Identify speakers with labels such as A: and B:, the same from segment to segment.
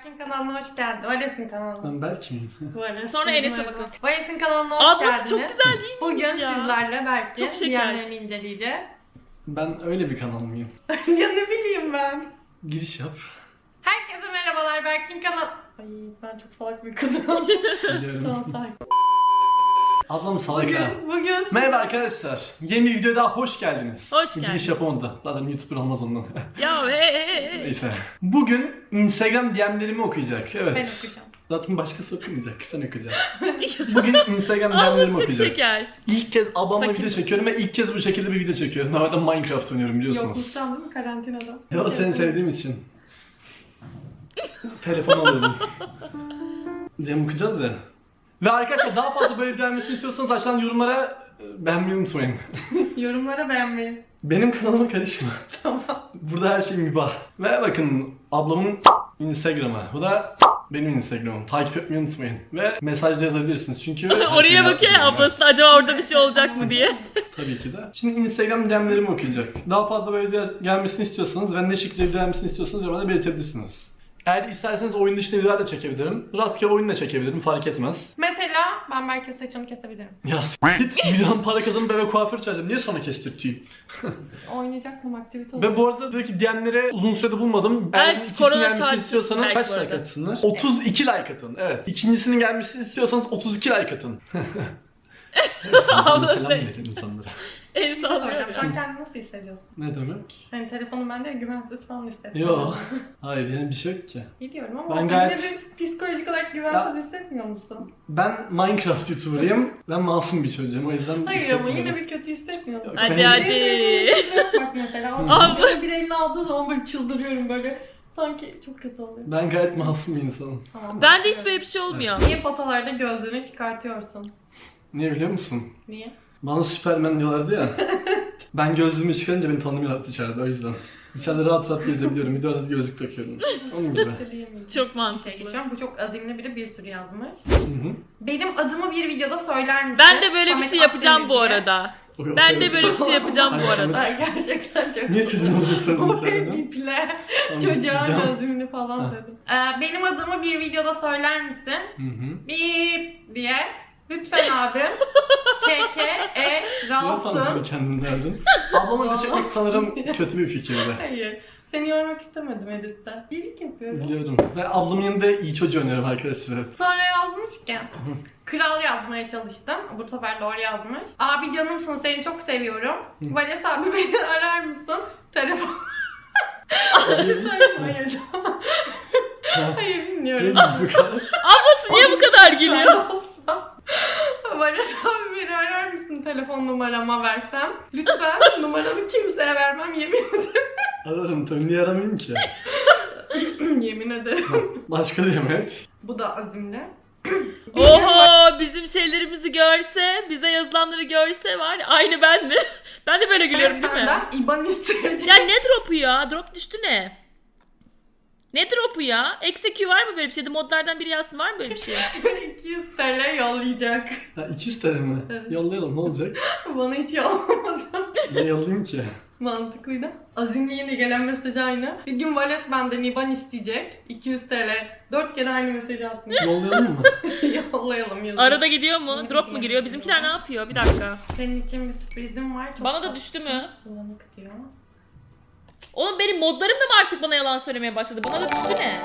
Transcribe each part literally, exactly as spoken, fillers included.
A: Berk'in kanalına hoş geldin. Vales'in kanalına.
B: Ben Berk miyim?
A: Vales.
C: Sonra Enes'e bakın.
A: Vales'in kanalına hoş
C: Ablası
A: geldiniz.
C: çok güzel değil
A: Bugün
C: miymiş ya?
A: sizlerle Berk'in
C: Çok şeker.
A: diğerlerini inceleyeceğiz.
B: Ben öyle bir kanal mıyım?
A: Ya ne bileyim ben.
B: Giriş yap.
A: Herkese merhabalar, Berk'in kanal... Ay ben çok salak bir kızım.
B: Biliyorum.
A: Tamam sakin.
B: Ablam salak ha.
A: Bugün, bugün...
B: Merhaba arkadaşlar. Yeni bir videoya daha hoş geldiniz.
C: Hoş
B: Giriş
C: geldiniz.
B: yapamadı. Zaten YouTuber olmaz ondan.
C: Ya hey hey hey.
B: Neyse. Bugün Instagram D M'lerimi okuyacak. Evet.
A: Ben okuyacağım.
B: Zaten başkası okumayacak. Sen okuyacaksın. Bugün Instagram D M'lerimi
C: Ablası çok
B: okuyacak.
C: şeker.
B: İlk kez ablamla
C: Fakir.
B: video çekiyorum ve ilk kez bu şekilde bir video çekiyorum. Normalde Minecraft oynuyorum biliyorsunuz.
A: Yokluktan değil mi karantinada?
B: Ya da seni sevdiğim için. Telefon alıyorum. diye okuyacağız ya. Ve arkadaşlar daha fazla böyle beğenmesini istiyorsanız aşağıdan yorumlara e, beğenmeyi unutmayın.
A: Yorumlara beğenmeyi.
B: Benim kanalıma karışma.
A: Tamam.
B: Burada her şey mübah. Ve bakın ablamın Instagram'ı. Bu da benim Instagram'ım. Takip etmeyi unutmayın. Ve mesajda yazabilirsiniz çünkü... her şeyi
C: Oraya bakıyor ya
B: yapıyorum ben.
C: ablası da acaba orada bir şey olacak mı diye.
B: Tabii ki de. Şimdi Instagram D M'lerimi okuyacak. Daha fazla böyle video gelmesini istiyorsanız ve ne şekilde video gelmesini istiyorsanız yorumlarda belirtebilirsiniz. Eğer isterseniz oyun dışı videolar da çekebilirim. Rastgele oyun da çekebilirim, fark etmez.
A: Mesela ben Berk'in saçını kesebilirim.
B: Ya s**t, milyon para kazanıp eve kuaför çağıracağım. Niye sonra kestirteyim?
A: Oynayacak mı aktivite olur?
B: Ve bu arada tabii ki diyenlere uzun sürede bulmadım.
C: Evet,
B: Eğer ikisinin
C: korona
B: gelmesini
C: çarptı
B: istiyorsanız
C: belki
B: kaç
C: bu
B: like
C: arada.
B: atsınlar? otuz iki like atın. Evet. İkincisinin gelmesini istiyorsanız otuz iki like atın.
C: Ablası
B: Selam
C: da
B: verin insanlara.
C: el
A: Bir
C: sallıyor
A: soracağım. Şu an
C: ya.
A: kendini nasıl hissediyorsun?
B: Ne demek?
A: Hani telefonum bende güvensiz falan hissediyorum.
B: Yok. Hayır yani bir şey yok ki.
A: Biliyorum ama
B: Ben
A: sen
B: gayet-
A: yine bir psikolojik olarak güvensiz hissetmiyor musun?
B: Ben Minecraft YouTuber'ıyım. Ben masum bir çocuğum o yüzden
A: Hayır ama yine
B: hissetmiyorum.
A: bir kötü hissetmiyor musun?
C: Hadi
B: Ben-
C: hadi.
A: Bak mesela
C: Abla.
A: abla bir elini aldığı zaman böyle çıldırıyorum böyle. Sanki çok kötü oluyor.
B: Ben gayet masum bir insanım.
A: Tamam,
C: Ben de hiç böyle bir şey olmuyor.
A: Niye fotolarda gözlüğünü çıkartıyorsun?
B: Niye biliyor musun?
A: Niye?
B: Bana Superman diyorlardı ya. Ben gözlüğümü çıkarınca beni tanımıyorlar dışarıda o yüzden. Dışarıda rahat rahat gezebiliyorum. Videoda gözlük takıyorum. Onun gibi.
A: Söyleyemeyeceğim.
C: Çok
A: Bir şey
C: mantıklı.
A: geçiyorum. Bu çok azimli biri bir sürü yazmış.
B: Hı hı.
A: Benim adımı bir videoda söyler misin?
C: Ben de böyle bir
A: Samet
C: şey yapacağım
A: Akdeniz
C: bu
A: diye.
C: arada.
B: O-
C: Ben de
B: o-
C: böyle bir şey yapacağım bu arada.
A: Ay gerçekten çok
B: Niye çocuğun oluyorsun
A: Oraya
B: sen?
A: biple. Çocuğa gözlüğünü falan dedim. Ee, benim adımı bir videoda söyler misin?
B: Hı hı.
A: Bip diye. Lütfen abi. K K E
B: Niye sanatını
A: Ralsın.
B: kendin verdin? Ablama video çekmek sanırım kötü bir fikirdi.
A: Hayır. Seni yormak istemedim Edit'te. İyilik yapıyorum.
B: Biliyorum. Ve ablamın yanında iyi çocuğu oynuyorum arkadaşlar.
A: Sonra yazmışken kral yazmaya çalıştım. Bu sefer doğru yazmış. Abi canımsın, seni çok seviyorum. Vales abi beni arar mısın? Telefon. Hayır. Hayır. Hayır bilmiyorum.
B: Bu kadar.
C: Ablası niye bu kadar gülüyor?
A: Olsa, Vales abi beni arar mısın telefon numarama versem? Lütfen numaramı kimseye vermem yemin ederim.
B: Ararım tabii. Niye aramayayım ki?
A: Yemin ederim.
B: Başka diyeyim evet.
A: Bu da azimli.
C: Oho bizim şeylerimizi görse, bize yazılanları görse var ya, aynı ben mi? Ben de böyle gülüyorum değil mi?
A: Senden İban isteyeceğim.
C: Ya ne drop'u ya? Drop düştü ne? Ne drop'u ya? Eksi Q var mı böyle bir şeyde? Modlardan biri yazsın, var mı böyle bir şey?
A: iki yüz T L yollayacak.
B: Ha iki yüz T L mi?
A: Evet.
B: Yollayalım ne olacak?
A: Bana hiç yollamadı.
B: Ne yollayayım ki?
A: Mantıklıydı. Azimli yine gelen mesaj aynı. Bir gün Vales benden İban isteyecek. iki yüz T L. Dört kere aynı mesajı atmış.
B: Yollayalım mı?
A: Yollayalım yazın.
C: Arada gidiyor mu? Drop mu giriyor? Bizimkiler ne yapıyor? Bir dakika.
A: Senin için bir sürprizim var. Çok
C: Bana da
A: tatlı.
C: düştü mü?
A: Bulanık diyor.
C: Oğlum benim modlarım da mı artık bana yalan söylemeye başladı? Bana da düştü ne?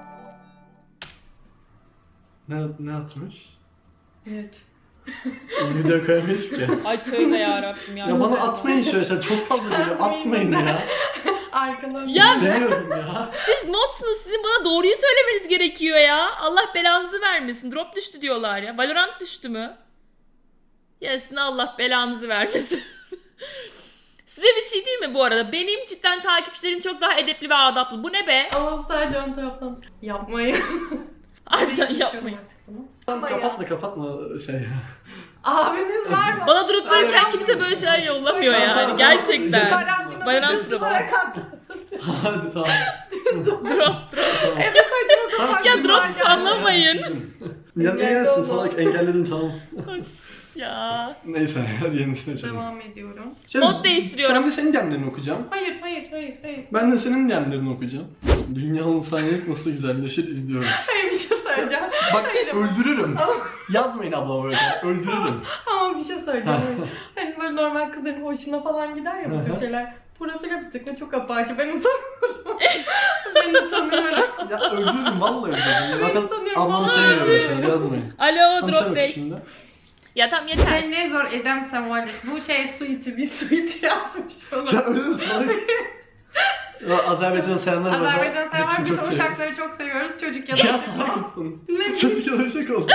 B: Ne, ne atmış?
A: Evet.
B: Video koyamayız ki.
C: Ay tövbe yarabbim ya.
B: Ya bana atmayın şöyle şey çok fazla geliyor. Atmayın ya.
A: Arkadan.
C: Ya-
B: Demiyorum ya.
C: Siz modsunuz. Sizin bana doğruyu söylemeniz gerekiyor ya. Allah belanızı vermesin. Drop düştü diyorlar ya. Valorant düştü mü? Ya sizin Allah belanızı vermesin. Size bir şey değil mi bu arada? Benim cidden takipçilerim çok daha edepli ve adaplı. Bu ne be?
A: Ama sadece ön taraftan. Yapmayın.
C: Harbiden yapmayın.
A: Ama ya.
B: Kapatma kapatma şey.
A: Abiniz var mı?
C: Bana durup dururken kimse böyle şeyler yollamıyor yani. Gerçekten.
A: Karantina
C: Valorant
A: hızlı
C: drop.
A: olarak at.
B: Hadi tamam.
C: Drop drop.
A: Evet saçma sapan
C: Ya
A: bir
C: drop
A: var
C: spamlamayın.
B: Ya ne
A: Engelde
B: gelsin
A: oldu.
B: salak engelledim tamam.
C: Ya.
B: Neyse hadi yenisine açalım.
A: Devam ediyorum.
B: Canım,
C: Mod değiştiriyorum.
B: Sen de senin demlerini okuyacağım.
A: Hayır hayır hayır hayır.
B: Ben de senin demlerini okuyacağım. Dünyanın saniyelik nasıl güzelleşir izliyoruz.
A: Hayır bir şey söyleyeceğim.
B: Bak
A: Hayır ama-
B: öldürürüm. Yazmayın abla böyle. Öldürürüm.
A: Ama bir şey söyleyeceğim. Hani böyle normal kızların hoşuna falan gider ya bu
B: Hı
A: tür
B: hı.
A: şeyler. Profile bir tıkla çok apaçı. Ben utanıyorum. ben utanıyorum.
B: Ya öldürürüm vallahi öldürürüm.
A: Ben
B: Bakın
A: sanıyorum,
B: ablamı
A: vallahi
B: sevmiyorum
A: öldürürüm.
B: şimdi yazmayın.
C: Alo
B: Tam
C: Drop
B: sen
C: Bey.
B: bak şimdi.
C: Ya tamam yeter.
A: Sen ne zor edemsem var. Bu şey suiti bir suiti yapmış
B: Ya
A: ona.
B: öyle mi salak? Ya Azerbaycan'a selamlar bu arada.
A: Azerbaycan sever.
B: Hepsini
A: Biz
B: çok
A: o
B: seviyoruz.
A: şarkıları çok seviyoruz. Çocuk ya
B: Ya
A: da
B: salak mısın?
A: Ne
B: Çocuk yalışık oldu.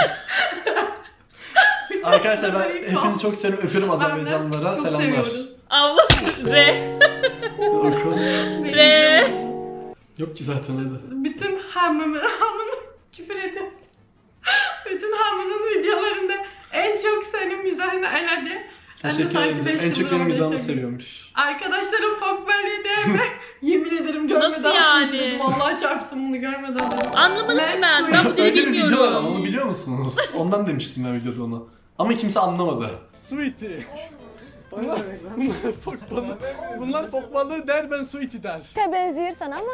B: Arkadaşlar ben hepinizi çok seviyorum. Öpüyorum Azerbaycanlılara.
A: Çok
B: Selamlar.
A: seviyoruz.
C: Allah re.
B: Oku.
C: Re.
B: Yok ki zaten hadi.
A: Bütün hamımın hamının küfür ediyorum. Bütün hamının videolarında en çok senin mizahını elendi. Ben de
B: Teşekkür
A: sanki
B: ederim.
A: beş
B: En çok
A: yıldır
B: benim
A: orada
B: mizahımı
A: yaşıyorum.
B: seviyormuş.
A: Arkadaşlarım fok belli diyeme yemin ederim görmeden
C: Nasıl yani?
A: sildim. Vallahi çarpsın bunu görmeden.
C: Anlamadım ki ben. Ben bu dili
B: Öyle bir video var ama
C: bilmiyorum.
B: onu biliyor musunuz? Ondan demiştim ben videoda onu. Ama kimse anlamadı.
D: Sweetie. Bunlar, bunlar fok balığı. Bunlar fok balığı der, ben sweetie der.
E: De benziyor sana ama.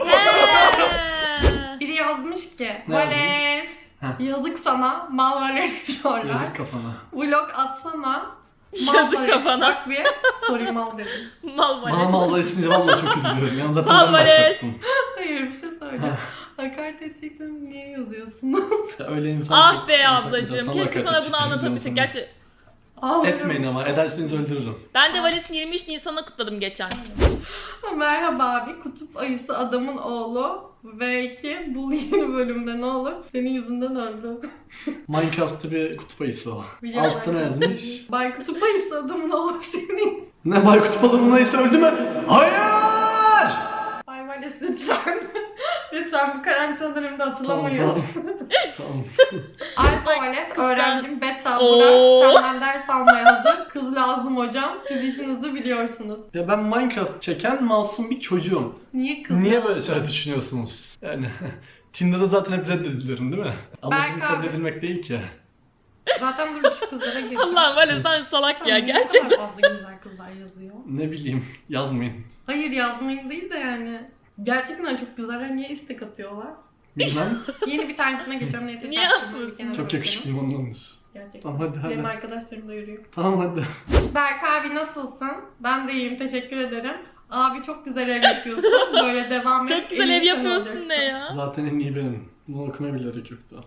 C: He.
A: Biri yazmış ki
B: Ne
A: Vales
B: Heh.
A: yazık sana mal Vales diyorlar.
B: Yazık kafana.
A: Vlog atsana.
C: Yazık
A: Vales.
C: kafana.
A: Bak bir sorayım mal dedim.
C: Mal
B: Bana
C: Vales.
B: malda isince valla çok üzülüyorum. Yani zaten
C: Al
B: ben
C: Vales.
B: başlattım.
A: Hayır bir şey söyleyeceğim. Hakaret edecektim niye yazıyorsunuz?
B: Ya öyle insan
C: Ah
B: çok-
C: be ablacığım.
B: Sana
C: Keşke
B: hakaret
C: sana bunu
B: edecek
C: anlatabilsek.
B: insan.
C: Gerçi
A: Ağlıyorum.
B: Etmeyin ama ederseniz öldürürüm.
C: ben de Valis'in yirmi üç Nisan'ı kutladım geçen.
A: Merhaba abi, kutup ayısı adamın oğlu ve iki bu yeni bölümde ne olur? Senin yüzünden öldü.
B: Minecraft'ta bir kutup ayısı o.
A: Biliyorum.
B: Altına yazmış.
A: Bay kutup ayısı adamın oğlu senin.
B: Ne Baykut balığının ayısı öldü mü? Hayır!
A: Bay Vales lütfen. Lütfen bu karantina döneminde atılamayız.
B: Tamam.
A: Alfa
C: Bak,
A: Vales
C: kıskan-
A: öğrencim beta
C: Oo.
A: Burak senden ders almaya hazır. Kız lazım hocam. Siz işinizi biliyorsunuz.
B: Ya ben Minecraft çeken masum bir çocuğum.
A: Niye kız
B: Niye
A: lazım?
B: böyle şeyler düşünüyorsunuz? Yani Tinder'da zaten hep reddedilirim değil mi? Amacım
A: Berk
B: kabul
A: abi.
B: edilmek değil ki.
A: Zaten dur şu kızlara gireceğim.
C: Allah Vales sen salak ya
A: Ne
C: gerçekten.
A: kadar fazla güzel kızlar yazıyor.
B: Ne bileyim yazmayın.
A: Hayır yazmayın değil de yani. Gerçekten çok güzeller. Niye istek atıyorlar?
B: Bilmem.
A: Yeni bir tanesine geçiyorum neyse.
C: Niye
A: şarkıyı
C: atmasın?
A: bir kenara
B: Çok
A: bırakalım.
B: yakışıklıyım ondandır.
A: Gerçekten.
B: Tamam hadi hadi.
A: Benim arkadaşlarım da yürüyor.
B: Tamam hadi.
A: Berk abi nasılsın? Ben de iyiyim teşekkür ederim. Abi çok güzel ev yapıyorsun. Böyle devam et.
C: Çok güzel
A: En
C: ev
A: iyi sen
C: yapıyorsun
A: olacaksın.
C: ne ya?
B: Zaten en iyi benim. Bunu okumaya bile gerek yoktu.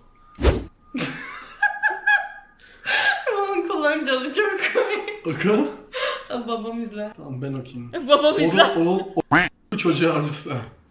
A: Onun kullanıcılı çok komik.
B: Oku.
A: Babam izler.
B: Tamam ben okuyayım.
C: Babam izler.
B: Oğlum, oğlum, o çocuğu avcısı.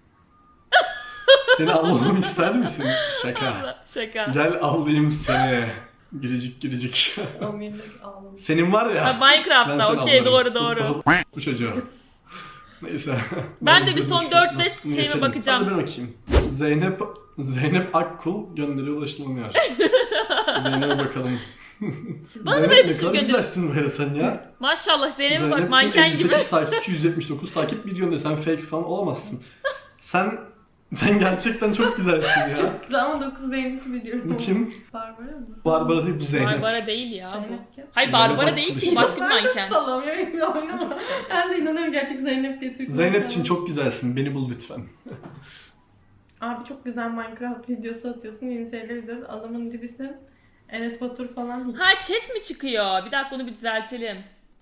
B: Seni avlamamı ister misin? Şaka.
C: Şaka.
B: Gel avlayayım seni. Giricik giricik.
A: Amirlik ağlamış.
B: Senin var ya.
C: Ha,
B: ben
C: Minecraft'ta
B: seni
C: okey
B: avlarım.
C: doğru doğru.
B: Bu çocuğu. Neyse.
C: Ben de bir son
B: görmüş-
C: dört beş
B: Bunu
C: şeyime
B: geçelim.
C: bakacağım.
B: Hadi ben okuyayım. Zeynep Zeynep Akkul gönderiye ulaşılamıyor. Zeynep'e bakalım.
C: Bana da böyle bir
B: ne
C: sürü
B: kadar
C: gönder-
B: güzelsin böyle sen ya.
C: Maşallah Zeynep'e bak
B: Zeynep
C: manken
B: elli
C: gibi.
B: sekiz takipçi, yüz yetmiş dokuz takip videonda sen fake falan olamazsın. Sen sen gerçekten çok güzelsin ya.
A: Güzel ama dokuz beğenisi biliyorum.
B: Bu kim?
A: Barbara mı?
B: Barbara değil bu Zeynep.
C: Barbara değil ya bu.
A: Zeynep kim?
C: Hayır
B: Zeynep
C: Barbara
B: Akkul
C: değil
B: işte.
C: ki başka bir
A: Ben çok
C: manken.
A: sallamıyorum ya oynama. Ben de inanıyorum gerçek Zeynep diye Türk
B: Zeynep'ciğim
A: manken.
B: çok güzelsin. Beni bul lütfen.
A: Abi çok güzel Minecraft videosu atıyorsun. Yeni şeyler izliyoruz. Adamın dibisin. Enes Batur falan.
C: Ha chat mi çıkıyor? Bir dakika onu bir düzeltelim.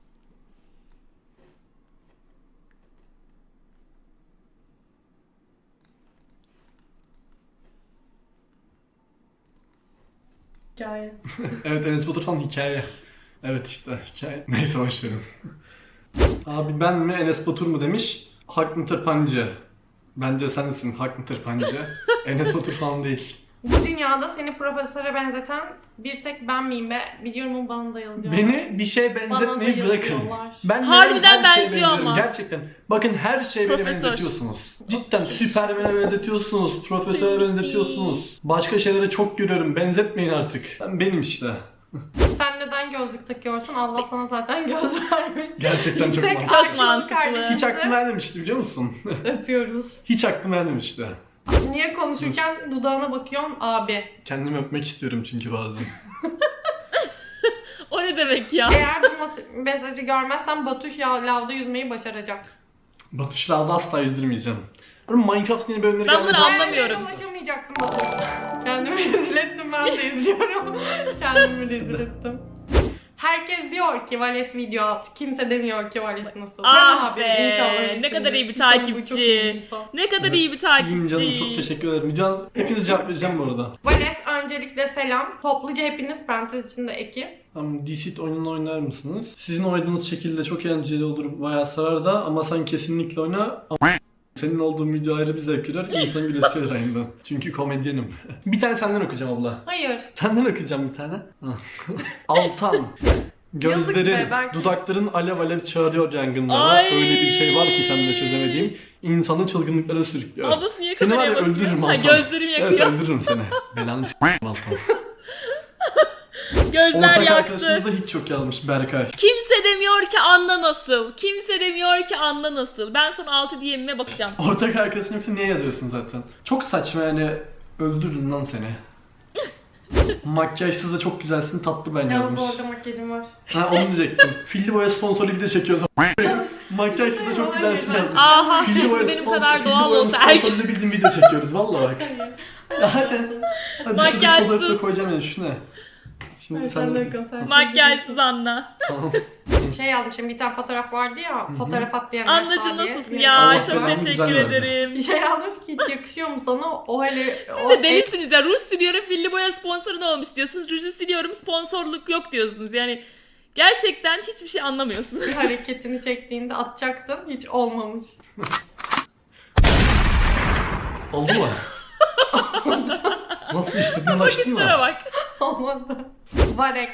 A: Hikaye.
B: Evet Enes Batur falan hikaye. Evet işte hikaye. Neyse boş verin. Abi ben mi Enes Batur mu demiş. Haklı tırpancı. Bence sensin haklı tırpancı. Enes Batur falan değil.
A: Bu dünyada seni profesöre benzeten bir tek ben miyim be? Biliyorum o bana da yazıyor.
B: Beni bir şeye
A: Bana da
B: benzetmeyi bırakın.
A: yazıyorlar.
B: Ben
C: Harbiden
B: her şeye
C: benziyor
B: benziyorum.
C: ama.
B: Gerçekten. Bakın her şeye beni
C: Profesör.
B: benzetiyorsunuz. Cidden Süpermen'e benzetiyorsunuz. Profesöre
C: Sweetie.
B: benzetiyorsunuz. Başka şeylere çok görüyorum. Benzetmeyin artık. Ben benim işte.
A: Sen neden gözlük takıyorsun? Allah sana zaten göz vermiş.
B: Gerçekten çok
A: Yüksek
B: mantıklı.
C: Çok
A: I Q'lu
C: mantıklı.
A: kardeşimizi
B: Hiç aklıma gelmemişti biliyor musun?
A: Öpüyoruz.
B: Hiç aklıma gelmemişti.
A: Niye konuşurken dudağına bakıyorsun abi?
B: Kendimi öpmek istiyorum çünkü bazen.
C: O ne demek ya?
A: Eğer bu mas- mesajı görmezsen Batuş ya lavda yüzmeyi başaracak.
B: Batışlarda asla yüzdürmeyeceğim. Oğlum Minecraft yeni bölümleri
C: Ben bunları
B: gelmedi.
C: anlamıyorum.
A: Hayır, ulaşamayacaksın Batuş. Kendimi rezil ettim, ben de izliyorum. Kendimi rezil ettim. Herkes diyor ki Vales video at. Kimse demiyor ki Vales nasıl.
C: Ah
A: Ben
C: be,
A: abi, inşallah
C: ne
A: iyisindir.
C: kadar iyi bir
A: İnsan bu çok
C: takipçi.
A: iyi bir insan.
C: Ne kadar
B: Evet.
C: iyi bir
B: İyiyim canım,
C: takipçi.
B: çok teşekkür ederim. Videonun hepinize cevap vereceğim bu arada.
A: Vales öncelikle selam. Topluca hepiniz parantez içinde ekip.
B: Tamam, Deceit oyununu oynar mısınız? Sizin oynadığınız şekilde çok eğlenceli olur, bayağı sarar da ama sen kesinlikle oyna. Ama senin olduğun video ayrı bir zevk verir, insan gülesi verir aynı. Çünkü komedyenim. Bir tane senden okuyacağım abla.
A: Hayır.
B: Senden okuyacağım bir tane. Altan.
A: Yazık
B: Gözlerin,
A: be, belki-
B: dudakların alev alev çağırıyor yangınlara.
C: Ay.
B: Öyle bir şey var ki sende çözemediğim. İnsanı çılgınlıklara sürüklüyor.
C: Ablası niye
B: Seni var
C: kameraya
B: ya
C: bakıyor?
B: öldürürüm
C: Ha,
B: Altan.
C: gözlerim yakıyor.
B: Evet, öldürürüm seni. Belanı s***im Altan.
C: Gözler
B: Ortak
C: yaktı.
B: arkadaşımız da hiç çok yazmış, Berkay.
C: Kimse demiyor ki Anna nasıl? Kimse demiyor ki Anna nasıl? Ben son altı D M'ime bakacağım.
B: Ortak arkadaşın yoksa niye yazıyorsun zaten? Çok saçma yani, öldürürüm lan seni. Makyajsız da çok güzelsin, tatlı ben
A: Yalnız
B: yazmış.
A: orada makyajım var.
B: Ha, onu diyecektim. Filli boya sponsorlu video çekiyoruz. Makyajsız da çok güzelsin yazmış.
C: Aha,
B: Filli
C: keşke
B: boya
C: benim
B: sponsor-
C: kadar
B: filli
C: doğal
B: boya
C: olsa
B: sponsorlu
C: erkek.
B: bizim video çekiyoruz valla bak. Ya hadi. Hadi
C: Makyajsız.
B: şurada fotoğrafı da koyacağım yani, şu ne? Şimdi
A: Ay,
B: sen
A: sen de
B: de...
A: bakın, sen
C: Makyajsız Anna.
B: Tamam.
A: Şey yazmışım, bir tane fotoğraf vardı ya, fotoğraf at diyen
C: Annacığım
A: Esra diye.
C: nasılsın
A: Bir-
C: ya?
B: Allah
C: Çok
B: belanı
C: teşekkür
B: güzel verdi.
C: ederim.
A: Bir şey yazmış ki hiç yakışıyor mu sana o hele...
C: Siz de delisiniz ya. Ruj siliyorum, filli boya sponsorun olmuş diyorsunuz. Ruju siliyorum, sponsorluk yok diyorsunuz. Yani gerçekten hiçbir şey anlamıyorsunuz.
A: Bir hareketini çektiğinde atacaktın, hiç olmamış.
B: Oldu mu? Nasıl istedin, açtın
C: Bakışlara
B: mı?
C: bak.
A: Olmadı. Varex.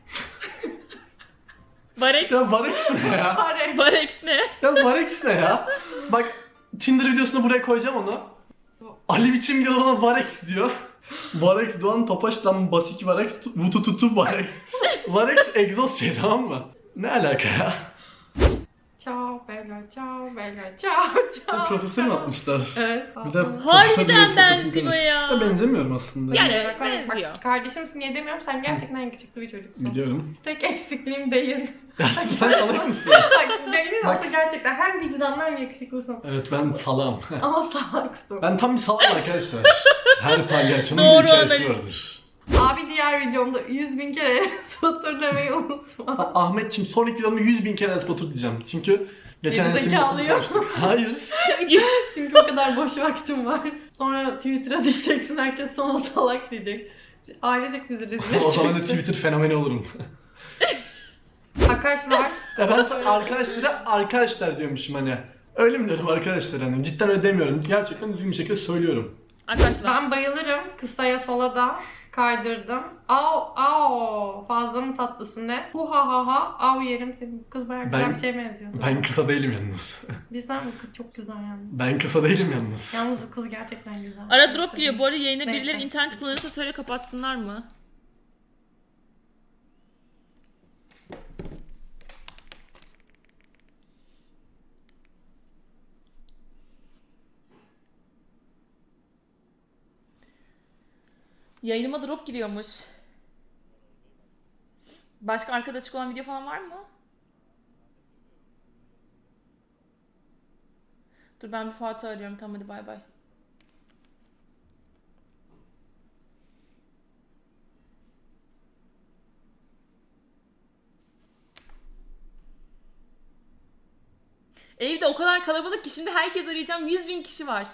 C: Varex.
B: Ya Varex ne ya?
A: Varex.
C: Varex ne?
B: Ya Varex ne ya? Bak Tinder videosunu buraya koyacağım onu. Ali biçim diyor, ona Varex diyor. Varex Doğan Topaş'tan Basik Varex Vutu Tutu Varex. Varex egzoz şey, tamam mı? Ne alaka ya?
A: Ciao bella, ciao bella, ciao ciao.
B: Profesör mü atmışlar?
A: Evet.
B: Bir de
C: Harbiden benziyor ya.
B: Ya benzemiyorum aslında.
C: Yani-
A: Bak, bak,
C: benziyor.
A: Bak, kardeşimsin niye demiyorum, sen gerçekten yakışıklı bir çocuksun.
B: Biliyorum.
A: Tek eksikliğim değil.
B: Ya sen salak mısın?
A: Bak değilim
B: Bak.
A: olsa gerçekten hem vicdanlı hem yakışıklısın.
B: Evet, ben salam.
A: Ama salaksın.
B: Ben tam bir salam arkadaşlar. Her palyaçonun
C: Doğru
B: bir hikayesi
C: analiz.
B: vardır.
A: Abi diğer videomda yüz bin kere satır demeyi unutma.
B: Ha, Ahmetçim sonraki videomda yüz bin kere Enes Batur diyeceğim. Çünkü geçen
A: Geri
B: Enes'in
A: zekalı
B: videosunu
A: yok.
B: konuştuk. Hayır.
C: Çünkü
A: Çünkü o kadar boş vaktim var. Sonra Twitter'a düşeceksin, herkes sana salak diyecek. Ailecek bizi rezil
B: O zaman da
A: edeceksin.
B: Twitter fenomeni olurum.
A: Arkadaşlar,
B: Ya ben sana arkadaşlara arkadaşlar diyormuşum hani. Öyle mi diyorum arkadaşlar hani? Cidden öyle demiyorum. Gerçekten düzgün bir şekilde söylüyorum.
C: arkadaşlar
A: ben bayılırım. Kısaya sola da kaydırdım. Au au fazla mı tatlısın ne? Hu ha ha ha av yerim seni. Bu kız bayağı güzel
B: Ben-
A: bir şey benziyor.
B: Ben kısa değilim yalnız.
A: Bizden bu kız çok güzel yalnız.
B: Ben kısa değilim yalnız.
A: Yalnız bu kız gerçekten güzel.
C: ara drop giriyor. Bu arada yayına
A: Neyse.
C: birileri internet kullanırsa söyle kapatsınlar mı? Yayınıma drop giriyormuş. Başka arkada açık olan video falan var mı? Dur ben bir Fuat'ı arıyorum. Tamam hadi bay bay. Evde o kadar kalabalık ki şimdi herkes arayacağım. yüz bin kişi var.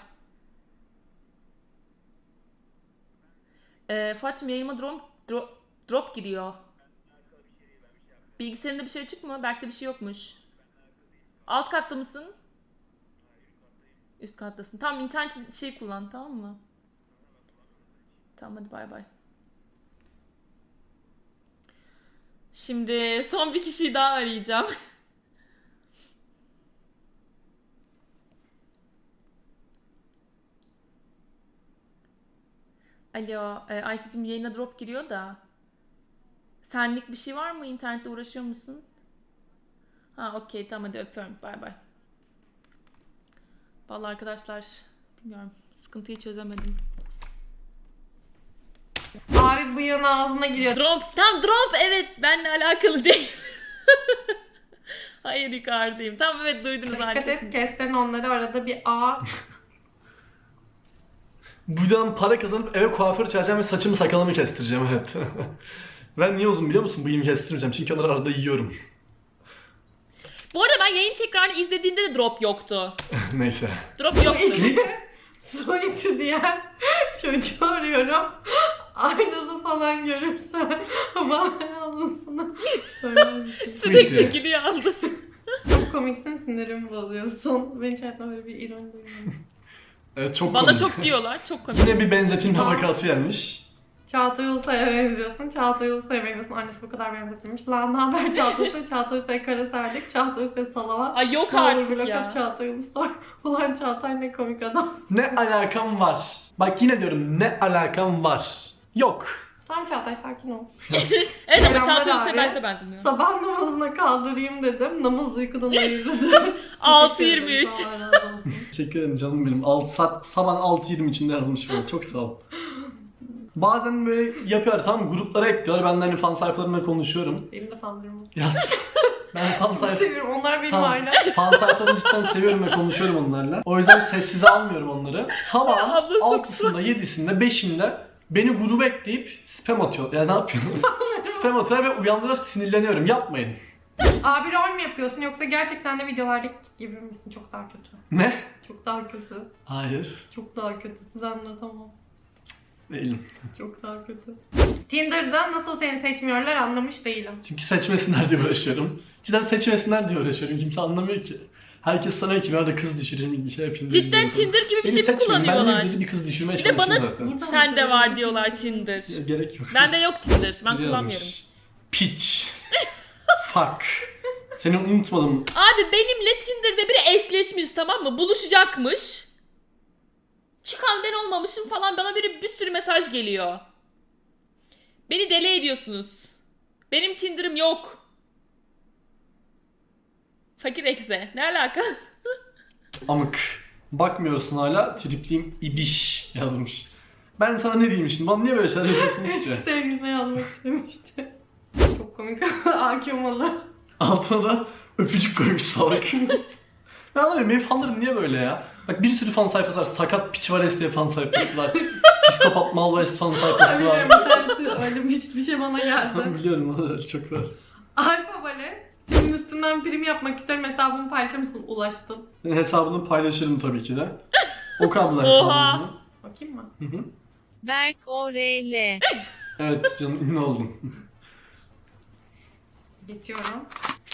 C: Ee, Fuat'cığım yayınıma drop, drop, drop giriyor. Bilgisayarında bir şey açık mı? Berk'te bir şey yokmuş. Alt katta mısın? Üst kattasın. Tamam internet şey kullan, tamam mı? Tamam hadi bay bay. Şimdi son bir kişiyi daha arayacağım. Alo, e, Ayşe'cim yayına drop giriyor da. Senlik bir şey var mı? İnternette uğraşıyor musun? Ha okey tamam hadi öpüyorum. Bay bay. Vallahi arkadaşlar bilmiyorum. Sıkıntıyı çözemedim.
A: Abi bıyığın ağzına giriyor.
C: Drop. Tam drop evet benimle alakalı değil. Hayır yukarıdayım. Tamam evet duydunuz
A: Dikkat
C: arkasını.
A: et, kessen onları arada bir A.
B: Buradan para kazanıp eve kuaför çağıracağım ve saçımı sakalımı kestireceğim evet. Ben niye uzun biliyor musun? Bıyığımı kestirmeyeceğim çünkü onları arada yiyorum.
C: Bu arada ben yayın tekrarını izlediğimde de drop yoktu.
B: Neyse.
C: Drop yoktu.
A: Su iti diyen çocuğu arıyorum. Aynalı falan görürsen bana ablasını söyler misin?
C: Sürekli
B: Neyse.
C: gülüyor ablası.
A: Çok komiksin, sinirimi bozuyorsun. Ben hiç hayatımda böyle bir ironi duymadım.
B: Evet çok
C: Bana
B: komik.
C: çok diyorlar. Çok komik.
B: Yine bir benzetilme
A: Sağ ol.
B: vakası gelmiş.
A: Çağatay Ulusoy'a benziyorsun. Çağatay Ulusoy'a benziyorsun. Annesi bu kadar benzetilmiş. Lan ne haber Çağatay Ulusoy? Çağatay Ulusoy kara serdik. Çağatay Ulusoy salavat.
C: Ay yok
A: Ne olur
C: artık
A: bırak
C: ya.
A: at Çağatay Ulusoy. Ulan Çağatay ne komik adam.
B: Ne alakam var? Bak yine diyorum ne alakam var? Yok.
A: Tamam Çağatay sakin ol.
C: Evet ama
A: Selamlar
C: Çağatay
A: abi.
C: Ulusoy'a ben size benzemiyorum.
A: Sabah namazına kaldırayım dedim. Namaz uykudan ayırdım.
C: altı yirmi üç.
A: Allah razı olsun.
B: Teşekkür ederim canım benim. altı saat, sabah altı yirmi içinde yazmış böyle. Çok sağ ol. Bazen böyle yapıyor tamam mı? Gruplara ekliyor. Ben de hani fan sayfalarımla konuşuyorum.
A: Benim de fanlarım.
B: Yaz. Ben fan
A: Çok
B: sayfa...
A: seviyorum. Onlar benim
B: Tamam.
A: ailem.
B: Fan sayfalarını cidden seviyorum ve konuşuyorum onlarla. O yüzden sessize almıyorum onları. Sabah
C: Abla çok
B: altısında, yedisinde, beşinde beni gruba ekleyip spam atıyor. Ya ne yapıyorsun? Spam atıyor ve uyandırıyor sinirleniyorum. Yapmayın.
A: Abi rol mü yapıyorsun yoksa gerçekten de videolardaki gibi misin? Çok daha kötü.
B: Ne?
A: Çok daha kötü.
B: Hayır.
A: Çok daha kötü. Size anlatamam.
B: Değilim.
A: Çok daha kötü. Tinder'da nasıl seni seçmiyorlar anlamış değilim.
B: Çünkü seçmesinler diye uğraşıyorum. Cidden seçmesinler diye uğraşıyorum. Kimse anlamıyor ki. Herkes sanıyor ki ben de kız düşüreyim, bir şey yapayım. diye
C: Cidden
B: gidiyorum.
C: Tinder gibi bir
B: Beni
C: şey mi
B: seçmeyin.
C: kullanıyorlar?
B: Ben de bir kız düşürmeye
C: Bir de
B: çalışıyorum
C: bana-
B: zaten.
C: Sen de var diyorlar Tinder.
B: Ya, gerek yok.
C: Bende yok Tinder. Ben
B: Biri yazmış.
C: kullanmıyorum.
B: Piç. Fuck. Seni unutmadım.
C: Abi benimle Tinder'da biri eşleşmiş tamam mı? Buluşacakmış. Çıkan ben olmamışım falan bana biri bir sürü mesaj geliyor. Beni deli ediyorsunuz. Benim Tinder'ım yok. Fakir ekse. Ne alaka?
B: Amık. Bakmıyorsun hala. Tripliyim ibiş yazmış. Ben sana ne diyeyim şimdi? Bana niye böyle şeyler yazıyorsunuz ki?
A: Eski sevgiline yazmak istemişti. Çok komik. Akımalı.
B: Altına da öpücük koymuş salak. Ben anlamıyorum benim fanlarım niye böyle ya? Bak bir sürü fan sayfası var. Sakat piç var diye fan sayfası var. Psikopat Malvays fan sayfası
A: Biliyorum
B: var.
A: bir tanesi öyle bir, bir şey bana geldi.
B: Biliyorum onlar çok var.
A: Alfa Bale, senin üstünden prim yapmak isterim, hesabımı paylaşır mısın? Ulaştın.
B: Ben hesabını paylaşırım tabii ki de. O kablolar
C: Oha.
B: hesabını.
A: Bakayım mı?
B: Hı hı.
E: Berk O R L.
B: Evet canım ünlü oldum.
A: Geçiyorum.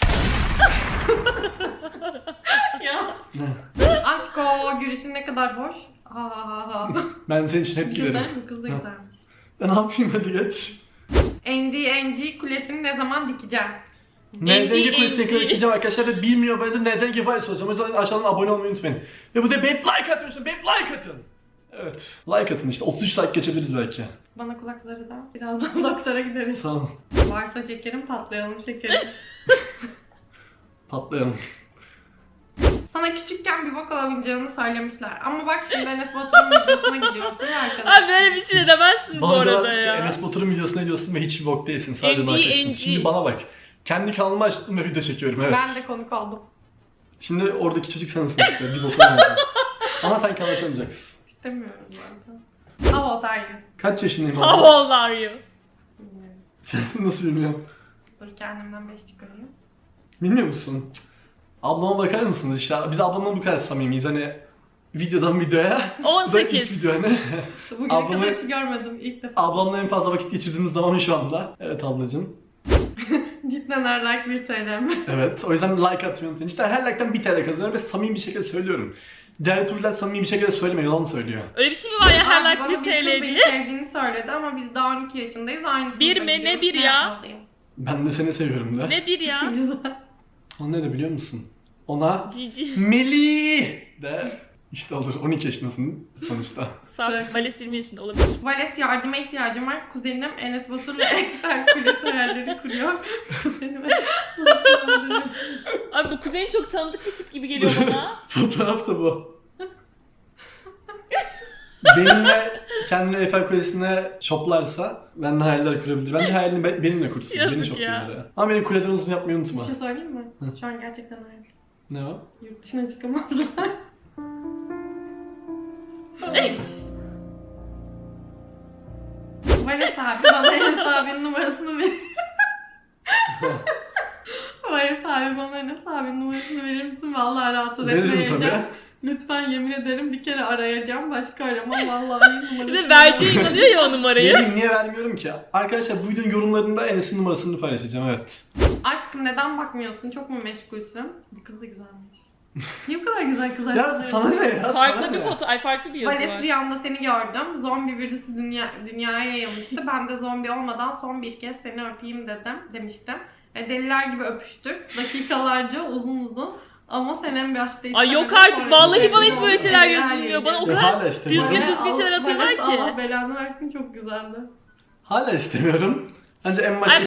A: ya.
B: Ne?
A: Aşk o gülüşün ne kadar hoş. Ha ha ha ha.
B: Ben senin için hep
A: Bir şey
B: giderim.
A: söyleyeyim mi? Kız da
B: Ha.
A: güzelmiş.
B: Ben ne yapayım hadi geç.
A: N D N G kulesini ne zaman dikeceğim?
B: Neden
C: N D N G.
B: kulesine gideceğim arkadaşlar ve bir milyon böyle neden Gefa'yı soracağım. O yüzden aşağıdan abone olmayı unutmayın. Ve bu da beğenip like atın işte beğenip like atın. Evet. Like atın işte otuz üç like geçebiliriz belki.
A: Bana kulakları da. Birazdan doktora gideriz.
B: Tamam.
A: Varsa şekerim patlayalım şekerim.
B: Patlayalım.
A: Sana küçükken bir bok alabileceğini söylemişler. Ama bak şimdi Enes Batur'un videosuna gidiyorsun ya arkadaşlar.
C: Abi böyle bir şey de demezsin bu
B: Bana
C: arada
B: diyorlar ki,
C: ya.
B: Enes Batur'un videosuna gidiyorsun ve hiçbir bok değilsin. Sadece
C: N D
B: like
C: N
B: atıyorsun.
C: G.
B: Şimdi bana bak. Kendi kanalımı açtım ve video çekiyorum evet.
A: Ben de konuk oldum.
B: Şimdi oradaki çocuk sensin işte. Bir bok olmayacak. Ama sen kanal açamayacaksın.
A: İstemiyorum zaten. Hava otelli.
B: Kaç yaşındayım
C: How
B: abi?
C: old are you?
A: Bilmiyorum.
B: Sen nasıl bilmiyorum.
A: Dur kendimden beş çıkarayım.
B: Bilmiyor musun? Ablama bakar mısınız işte? Biz ablamla bu kadar samimiyiz hani videodan videoya. Bu da ilk
C: on sekiz.
B: video hani.
A: Bugüne
B: Ablamı-
A: kadar hiç görmedim ilk defa.
B: Ablamla en fazla vakit geçirdiğimiz zaman şu anda. Evet ablacığım.
A: Cidden her like bir T L mi?
B: Evet o yüzden like atmayı unutmayın. İşte her like'tan bir T L kazanıyorum ve samimi bir şekilde söylüyorum. Diğer türler samimi bir şekilde söylemiyor, yalan söylüyor.
C: Öyle bir şey mi var ya her
A: Abi
C: like
A: bana
C: bir
A: kız
C: T L
A: beni
C: diye?
A: sevdiğini söyledi ama biz daha on iki yaşındayız. Aynı
C: Bir
A: sınıfa
C: mi? Ne
A: gidiyoruz.
C: bir ya?
A: yapmalıyım?
B: Ben de seni seviyorum de.
C: Ne bir ya?
A: Güzel.
B: O ne de biliyor musun? Ona
C: Cici.
B: Melih de işte olur on iki yaşındasın sonuçta.
C: Saf. Vales yirmi yaşında olabilir.
A: Vales yardıma ihtiyacım var. Kuzenim Enes Batur'la Excel kulesi hayalleri kuruyor. Kuzenime
C: Abi bu kuzenin çok tanıdık bir tip gibi geliyor bana.
B: Fotoğraf da bu. benimle kendini Eiffel Kulesi'ne şoplarsa benimle hayaller kurabilir. Bence hayalini be- benimle kursun.
C: Yazık
B: Beni
C: ya.
B: şoplayın oraya. Ama beni kuleden uzun yapmayı
A: Bir
B: unutma.
A: şey söyleyeyim mi?
B: Hı.
A: Şu an gerçekten öyle.
B: Ne o?
A: Yurt dışına çıkamazlar. Vales abi bana Enes abinin numarasını ver. Vales abi bana Enes abinin numarasını verir misin? Vallahi rahatsız
B: Veririm
A: etmeyeceğim.
B: tabii.
A: Lütfen yemin ederim bir kere arayacağım. Başka aramam vallahi numarasını.
C: Bir de vereceğe inanıyor ya o numarayı.
B: Vereyim, niye vermiyorum ki? Arkadaşlar bu videonun yorumlarında Enes'in numarasını paylaşacağım, evet.
A: Aşkım neden bakmıyorsun? Çok mu meşgulsün? Bu kız da güzelmiş. Niye bu kadar güzel kızlar?
B: Ya
A: tanıyorsun?
B: sana ne ya?
C: Farklı
B: sana
C: bir
B: ne?
C: foto, ay farklı bir yazı
A: Vales
C: var.
A: rüyamda seni gördüm. Zombi virüsü dünya, dünyaya yayılmıştı. Ben de zombi olmadan son bir kez seni öpeyim dedim, demiştim. E, deliler gibi öpüştük. Dakikalarca uzun uzun. Ama sen en başta
C: Ay yok
A: istemedin,
C: artık,
A: sonra
C: vallahi
A: istemedin.
C: bana hiç böyle şeyler
A: Deliler
C: yazılmıyor. Bana o
A: yedi.
B: Ya
C: kadar
B: hala istemiyorum.
C: düzgün
A: Vales,
C: düzgün şeyler
A: Allah-
C: atıyorlar
A: Vales,
C: ki.
A: Allah belanı versin, çok güzeldi.
B: Hala istemiyorum. Bence en başta